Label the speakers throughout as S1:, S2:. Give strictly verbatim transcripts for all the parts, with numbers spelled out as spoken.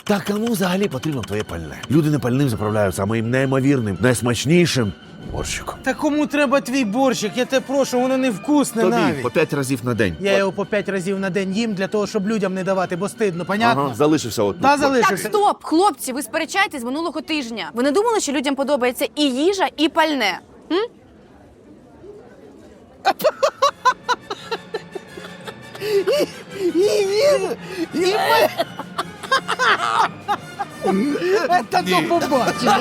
S1: Та кому взагалі потрібно твоє пальне? Люди не пальним заправляються, а моїм неймовірним, найсмачнішим борщиком.
S2: Та кому треба твій борщик? Я тебе прошу, воно невкусне
S1: Тобі
S2: навіть.
S1: по п'ять разів на день.
S2: Я його по п'ять разів на день їм для того, щоб людям не давати, бо стидно, понятно?
S1: Ага, залишився от.
S2: Та
S3: Так,
S2: залишився.
S3: стоп, хлопці, ви сперечаєтесь з минулого тижня. Ви не думали, що людям подобається і їжа, і пальне? М?
S2: І він, і ми. Та то побачимо.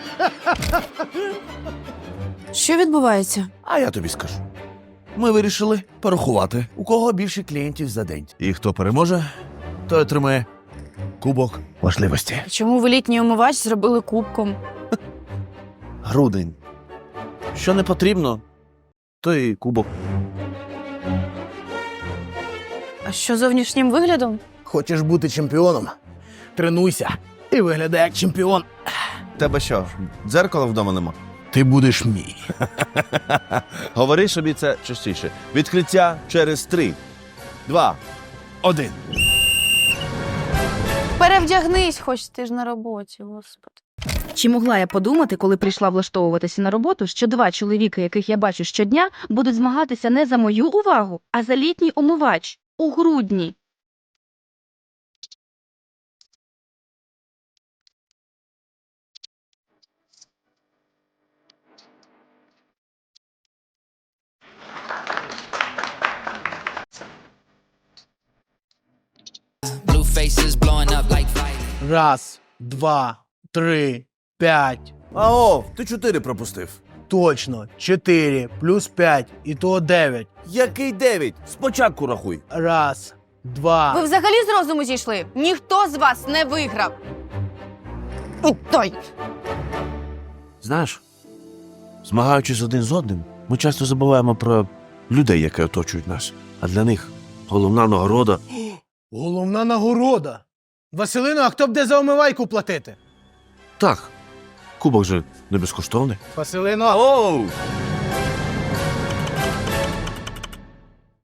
S3: Що відбувається?
S1: А я тобі скажу. Ми вирішили порахувати, у кого більше клієнтів за день. І хто переможе, той отримає кубок важливості.
S3: Чому ви літній омивач зробили кубком?
S1: Грудень. Що не потрібно, то і кубок.
S3: А що зовнішнім виглядом?
S2: Хочеш бути чемпіоном? Тренуйся і виглядай як чемпіон.
S1: Тебе що, дзеркала вдома нема?
S2: Ти будеш мій.
S1: Говори собі це частіше. Відкриття через три, два, один.
S3: Перевдягнись, хоч ти ж на роботі, господи.
S4: Чи могла я подумати, коли прийшла влаштовуватися на роботу, що два чоловіки, яких я бачу щодня, будуть змагатися не за мою увагу, а за літній омивач у грудні?
S5: Blue faces blowing up like fire.
S2: Раз, два, три, п'ять.
S1: Ао, ти чотири пропустив.
S2: Точно. Чотири плюс п'ять. І то дев'ять.
S1: Який дев'ять? Спочатку рахуй.
S2: Раз, два.
S3: Ви взагалі з розуму зійшли? Ніхто з вас не виграв. Той.
S1: Знаєш, змагаючись один з одним, ми часто забуваємо про людей, які оточують нас. А для них головна нагорода.
S2: Головна нагорода. Василино, а хто буде за омивайку платити?
S1: Так, кубок же не безкоштовний.
S2: Василино.
S1: Оу!